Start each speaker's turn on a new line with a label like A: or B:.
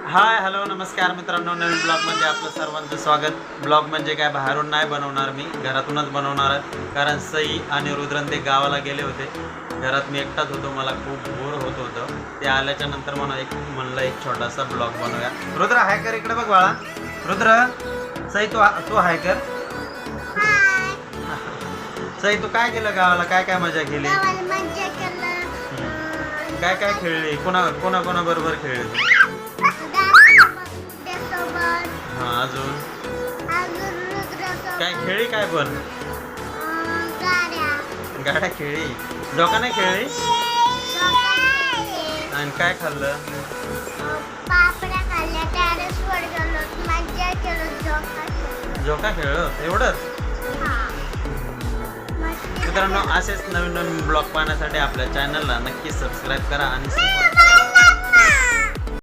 A: Hi hello नमस्कार मित्रांनो, नवीन ब्लॉगमध्ये आपलं सर्वांचं स्वागत. ब्लॉग म्हणजे काय बाहेरून नाही बनवणार, मी घरातूनच बनवणार आहे. कारण सई आणि रुद्रन ते गावाला गेले होते. घरात मी एकटाच होतो, मला खूप बोर होत होतं. ते आल्याच्या नंतर म्हणलं एक छोटासा ब्लॉग बनवूया. रुद्र हाय कर, इकडे बघ बाळा. रुद्र, सई तू हाय कर. सई तू काय केलं गावाला, काय काय मजा केली, काय काय खेळली, कोणा बरोबर खेळली? हा, अजून काय खेळली, काय पण गाड्या खेळली, डोका नाही खेळली. आणि काय खाल्लं? झोका खेळलो, एवढंच. मित्रांनो, असेच नवीन नवीन ब्लॉग पाहण्यासाठी आपल्या चॅनलला नक्की सबस्क्राईब करा आणि